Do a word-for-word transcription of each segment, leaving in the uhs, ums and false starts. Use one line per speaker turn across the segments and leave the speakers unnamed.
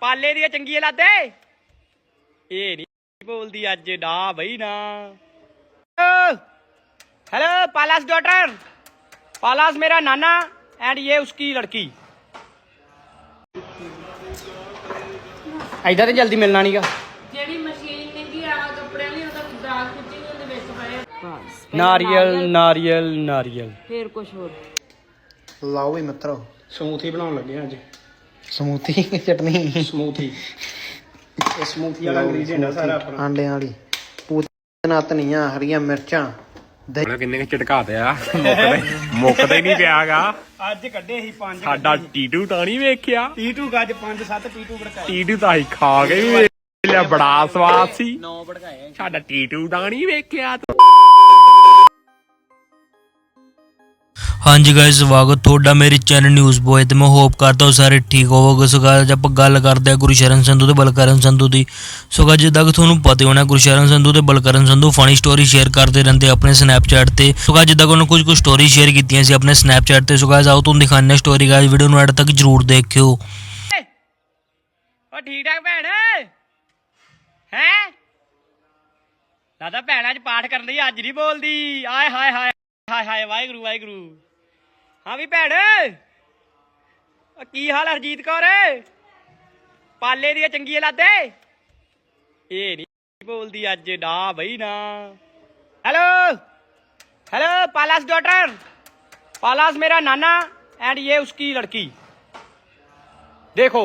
ਪਾਲੇ ਦੀਆਂ ਚੰਗੀ ਲਾਦੇ ਇਹ ਨਹੀਂ ਬੋਲਦੀ ਅੱਜ ਨਾ ਬਈ ਨਾ। हेलो पालास डॉटर, पालास मेरा नाना एंड ये उसकी लड़की। इधर तो जल्दी मिलना नहीं गा।
जेडी मशीन ने की आ कपड़े वाली ओदा दाग खिच्ची ओदे विच पाया बस
नारियल नारियल नारियल
फिर कुछ और
ਲਾਓ ਵੀ ਮਿੱਤਰੋ
ਸਮੂਥੀ ਬਣਾਉਣ ਲੱਗੇ ਆ ਅੱਜ।
ਸਮੂਥੀ ਚਟਨੀ
ਸਮੂਥੀ ਇਹ ਸਮੂਥੀ ਵਾਲਾ ਇੰਗਰੀਡੀਐਂਟ ਆ ਸਾਰਾ ਆਪਣਾ।
ਆਂਡਿਆਂ ਵਾਲੀ ਪੂਤਨਾ ਧਨੀਆ ਹਰੀਆਂ ਮਿਰਚਾਂ
ਹੁਣ ਕਿੰਨੇ ਕੁ ਝਟਕਾਤੇ ਆ ਮੁੱਕਦਾ ਮੁੱਕਦਾ ਹੀ ਨਹੀਂ ਪਿਆਗਾ।
ਅੱਜ ਕੱਢੇ ਸੀ ਪੰਜ।
ਸਾਡਾ ਟੀਟੂ ਤਾਂ ਨਹੀਂ ਵੇਖਿਆ।
ਟੀਟੂ ਗੱਜ ਪੰਜ ਸੱਤ ਟੀਟੂ ਭੜਕਾਏ।
ਟੀਟੂ ਤਾਂ ਅਸੀਂ ਖਾ ਕੇ ਵੀ ਵੇਖ ਲਿਆ, ਬੜਾ ਸਵਾਦ ਸੀ।
ਨੌ ਭੜਕਾਏ।
ਸਾਡਾ ਟੀਟੂ ਤਾਂ ਨਹੀਂ ਵੇਖਿਆ।
ਹਾਂਜੀ ਗਾਇਸ, ਸਵਾਗਤ ਤੁਹਾਡਾ ਮੇਰੇ ਚੈਨਲ ਨਿਊਜ਼ ਬੋਏ ਤੇ ਮੈਂ ਹੋਪ ਕਰਦਾ ਹਾਂ ਸਾਰੇ ਠੀਕ ਹੋਵੋਗੇ। ਸੋ ਗਾਇਸ ਆਪਾਂ ਗੱਲ ਕਰਦੇ ਹਾਂ ਗੁਰਸ਼ਰਨ ਸੰਧੂ ਤੇ ਬਲਕਰਨ ਸੰਧੂ ਦੀ। ਸੋ ਗਾਇਸ ਜਿੱਦਾਂ ਕਿ ਤੁਹਾਨੂੰ ਪਤਾ ਹੋਣਾ ਗੁਰਸ਼ਰਨ ਸੰਧੂ ਤੇ Balkaran Sandhu funny story share ਕਰਦੇ ਰਹਿੰਦੇ ਆਪਣੇ ਸਨੈਪਚੈਟ ਤੇ। ਸੋ ਗਾਇਸ ਜਿੱਦਾਂ ਕਿ ਉਹਨਾਂ ਕੁਝ ਕੁ ਸਟੋਰੀ ਸ਼ੇਅਰ ਕੀਤੀਆਂ ਸੀ ਆਪਣੇ ਸਨੈਪਚੈਟ ਤੇ। ਸੋ ਗਾਇਸ ਆਓ ਤੁਹਾਨੂੰ ਦਿਖਾਉਂਦੇ ਹਾਂ ਸਟੋਰੀ। ਗਾਇਸ ਵੀਡੀਓ ਨੂੰ ਐਡ ਤੱਕ ਜਰੂਰ ਦੇਖਿਓ।
ਓ ਠੀਕ ਠਾਕ ਭੈਣ ਹੈ ਦਾਦਾ ਭੈਣ ਅੱਜ ਪਾਠ ਕਰਨ ਦੀ ਅੱਜ ਨਹੀਂ ਬੋਲਦੀ। ਆਏ ਹਾਏ ਹਾਏ ਹਾਏ ਹਾਏ ਵਾਹਿਗੁਰੂ ਵਾਹਿਗੁਰੂ। ਹਾਂ ਵੀ ਭੈਣ ਕੀ ਹਾਲ ਹਰਜੀਤ ਕੌਰ? ਪਾਲੇ ਦੀਆਂ ਚੰਗੀ ਲਾਦੇ ਇਹ ਨਹੀਂ ਬੋਲਦੀ ਅੱਜ ਨਾ ਬਈ ਨਾ। हेलो हेलो पालास डॉटर, पालास मेरा नाना एंड ये उसकी लड़की। देखो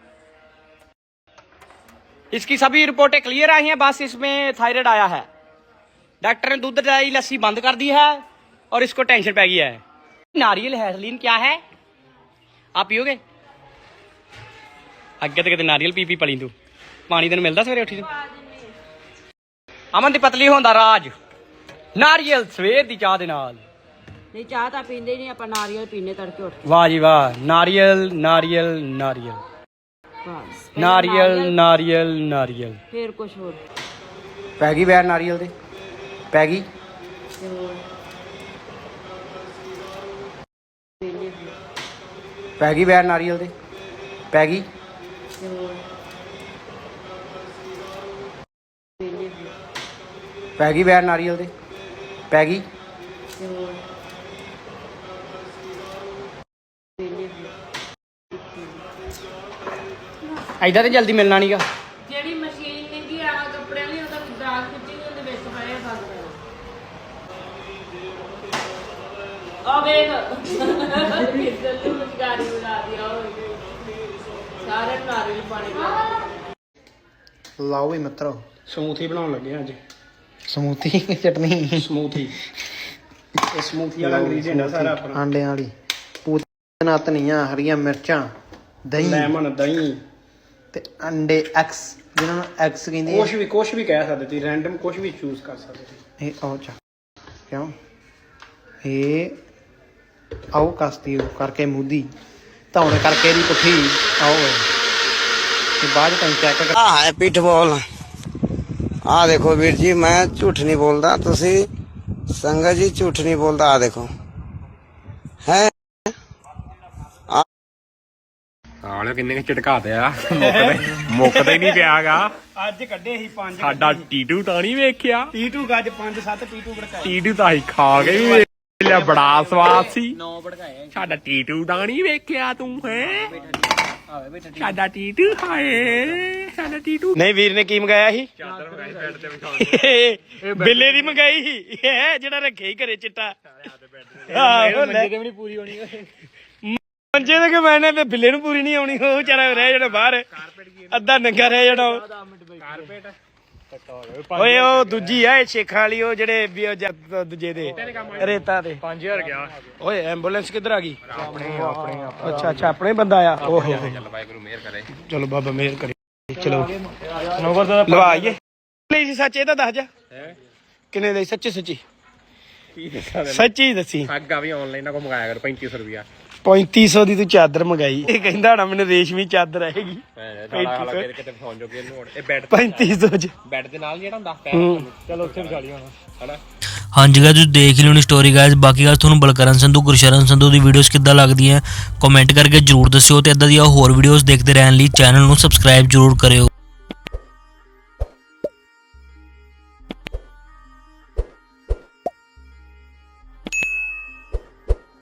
इसकी सभी रिपोर्टें क्लियर आई हैं, बस इसमें थायराइड आया है। डॉक्टर ने दूध दही लस्सी बंद कर दी है और इसको टेंशन पै गई है। नारियल हैसलीन क्या है आप पियोगे? अगे तो कहते नारियल पी पी पली तू पानी तेन मिलता सवेरे उठी अमन दी पतली होंदा राज नारियल सवेर दी चाह दे नाल।
नहीं चाह तां पींदे नहीं, ਆਪਾਂ ਨਾਰੀਅਲ ਪੀਨੇ ਤੜਕੇ ਉੱਠ
वाह जी वाह। नारियल नारियल नारियल
ਬਸ
नारियल नारियल नारियल
फिर कुछ और
ਪੈ ਗਈ ਵੈਰ ਨਾਰੀਅਲ ਦੇ ਪੈ ਗਈ ਪੈ ਗਈ ਵੈਰ ਨਾਰੀਅਲ ਦੇ ਪੈ ਗਈ ਪੈ ਗਈ ਵੈਰ ਨਾਰੀਅਲ ਦੇ ਪੈ ਗਈ
इधर तो जल्दी मिलना नहीं गा।
जेडी मशीन ने की आ कपड़े वाली ओदा दाग खिच्ची ओदे विच पाया बस आ वेख किधर तू मुस्कारी बना दिया ओए सारे नारियल पानी का
ਲਾਓ ਵੀ ਮਿੱਤਰੋ
ਸਮੂਥੀ ਬਣਾਉਣ ਲੱਗੇ ਆ ਅੱਜ।
ਸਮੂਥੀ ਚਟਨੀ
ਸਮੂਥੀ ਇਹ ਸਮੂਥੀ ਵਾਲਾ ਇੰਗਰੀਡੀਐਂਟ ਆ ਸਾਰਾ ਆਪਣਾ।
ਆਂਡਿਆਂ ਵਾਲੀ ਪੂਤਨਾ ਧਨੀਆ ਹਰੀਆਂ ਮਿਰਚਾਂ ਦਹੀਂ
ਲੈਮਨ ਦਹੀਂ
ਤੇ ਅੰਡੇ ਐਕਸ ਜਿਹਨਾਂ ਨੂੰ ਐਕਸ ਕਹਿੰਦੇ ਆ।
ਕੁਛ ਵੀ ਕੁਛ ਵੀ ਕਹਿ ਸਕਦੇ ਤੁਸੀਂ, ਰੈਂਡਮ ਕੁਛ ਵੀ ਚੂਜ਼ ਕਰ ਸਕਦੇ ਤੁਸੀਂ।
ਇਹ ਆਓ ਚਾ ਕਿਉਂ ਇਹ ਆਓ ਕਸਤੀ ਕਰਕੇ ਮੂਦੀ ਧੌਣ ਕਰਕੇ ਇਹਦੀ ਪੁੱਠੀ ਆਓ ਤੇ ਬਾਅਦ ਤਾਂ ਚੈੱਕ ਕਰ।
ਆ ਹੈ ਪਿੱਠ ਬੋਲ। ਆ ਦੇਖੋ ਵੀਰ ਜੀ, ਮੈਂ ਝੂਠ ਨਹੀਂ ਬੋਲਦਾ, ਤੁਸੀਂ ਸੰਗਤ ਜੀ ਝੂਠ ਨਹੀਂ ਬੋਲਦਾ। ਆ ਦੇਖੋ ਹੈ
ਆਲੇ ਕਿੰਨੇ ਕੁ ਝਟਕਾਤੇ ਆ ਮੁੱਕਦਾ ਮੁੱਕਦਾ ਹੀ ਨਹੀਂ ਪਿਆਗਾ।
ਅੱਜ ਕੱਢੇ ਸੀ ਪੰਜ।
ਸਾਡਾ ਟੀਟੂ ਤਾਂ ਨਹੀਂ ਵੇਖਿਆ।
ਟੀਟੂ ਗੱਜ ਪੰਜ ਸੱਤ ਟੀਟੂ ਭੜਕਾਏ।
ਟੀਟੂ ਤਾਂ ਅਸੀਂ ਖਾ ਕੇ ਵੀ ਵੇਖ ਲਿਆ, ਬੜਾ ਸਵਾਦ ਸੀ।
ਨੌ ਭੜਕਾਏ।
ਸਾਡਾ ਟੀਟੂ ਤਾਂ ਨਹੀਂ ਵੇਖਿਆ ਤੂੰ ਹੈ। ਸਾਡਾ ਟੀਟੂ ਹਾਏ ਸਾਡਾ ਟੀਟੂ।
ਨਹੀਂ ਵੀਰ ਨੇ ਕੀ ਮੰਗਾਇਆ ਸੀ?
ਚਾਦਰ ਮੰਗਾਈ ਬੈੱਡ ਤੇ ਵਿਛਾਉਣ
ਬਿੱਲੇ ਦੀ ਮੰਗਾਈ ਸੀ ਇਹ ਜਿਹੜਾ ਰੱਖੇ ਹੀ ਘਰੇ ਚਿੱਟਾ।
ਮੰਜੇ ਤੇ ਵੀ ਨਹੀਂ ਪੂਰੀ ਹੋਣੀ।
ਮੰਜੇ ਤੇ ਕਿ ਮੈਨੇ ਤੇ ਬਿੱਲੇ ਨੂੰ ਪੂਰੀ ਨਹੀਂ ਆਉਣੀ, ਉਹ ਵਿਚਾਰਾ ਰਹਿ ਜਾਣਾ ਬਾਹਰ, ਅੱਧਾ ਨੰਗਾ ਰਹਿ ਜਾਣਾ।
ਕਾਰਪੇਟ
ਓਏ ਉਹ ਦੂਜੀ ਆ ਇਹ ਸ਼ੇਖਾਂ ਵਾਲੀ, ਉਹ ਜਿਹੜੇ ਵੀ ਉਹ ਜ- ਦੂਜੇ ਦੇ ਰੇਤਾ ਤੇ
ਪੰਜ ਹਜ਼ਾਰ ਗਿਆ।
ਓਏ ਐਂਬੂਲੈਂਸ ਕਿੱਧਰ ਆ ਗਈ?
ਆਪਣੇ ਆਪਣੇ
ਅੱਛਾ ਅੱਛਾ ਆਪਣੇ ਬੰਦਾ ਆ। ਓਹ
ਚੱਲ ਵਾਹਿਗੁਰੂ ਮਿਹਰ ਕਰੇ।
ਚਲੋ ਬਾਬਾ ਮਿਹਰ ਕਰੇ। ਚਲੋ ਲਵਾਈਏ। ਲਈ ਸੀ ਸੱਚ ਇਹ ਤਾਂ ਦੱਸ ਜਾ ਕਿੰਨੇ ਦੇ? ਸੱਚੀ ਸੱਚੀ ਸੱਚੀ ਦੱਸੀ।
ਅੱਗਾ ਵੀ ਆਨਲਾਈਨ ਨਾ ਕੋ ਮੰਗਾਇਆ ਕਰ ਪੈਂਤੀ ਸੌ ਰੁਪਿਆ।
ਪੈਂਤੀ ਸੌ ਦੀ ਤੂੰ ਚਾਦਰ ਮੰਗਾਈ। ਇਹ ਕਹਿੰਦਾ ਹੋਣਾ ਮੈਨੂੰ ਰੇਸ਼ਮੀ ਚਾਦਰ ਆਏਗੀ।
ਕਿਤੇ ਫੋਨ ਜੋ ਇਹ ਬੈੱਡ
ਪੈਂਤੀ ਸੌ ਚ
ਬੈੱਡ ਦੇ ਨਾਲ ਜਿਹੜਾ ਹੁੰਦਾ
ਹੂੰ।
ਚਲੋ ਉੱਥੇ ਵਿਚਾਲੀ ਹੋਣਾ ਹਨਾ।
ਹਾਂਜੀ ਗਾਇਸ ਤੁਸੀਂ ਦੇਖ ਹੀ ਲਿਓਣੀ ਸਟੋਰੀ ਗਾਇਸ। ਬਾਕੀ ਗੱਲ ਤੁਹਾਨੂੰ ਬਲਕਰਨ ਸੰਧੂ ਗੁਰਸ਼ਰਨ ਸੰਧੂ ਦੀ ਵੀਡੀਓਜ਼ ਕਿੱਦਾਂ ਲੱਗਦੀਆਂ ਕਮੈਂਟ ਕਰਕੇ ਜਰੂਰ ਦੱਸਿਓ ਤੇ ਇਦਾਂ ਦੀਆਂ ਹੋਰ ਵੀਡੀਓਜ਼ ਦੇਖਦੇ ਰਹਿਣ ਲਈ ਚੈਨਲ ਨੂੰ ਸਬਸਕ੍ਰਾਈਬ ਜਰੂਰ ਕਰਿਓ।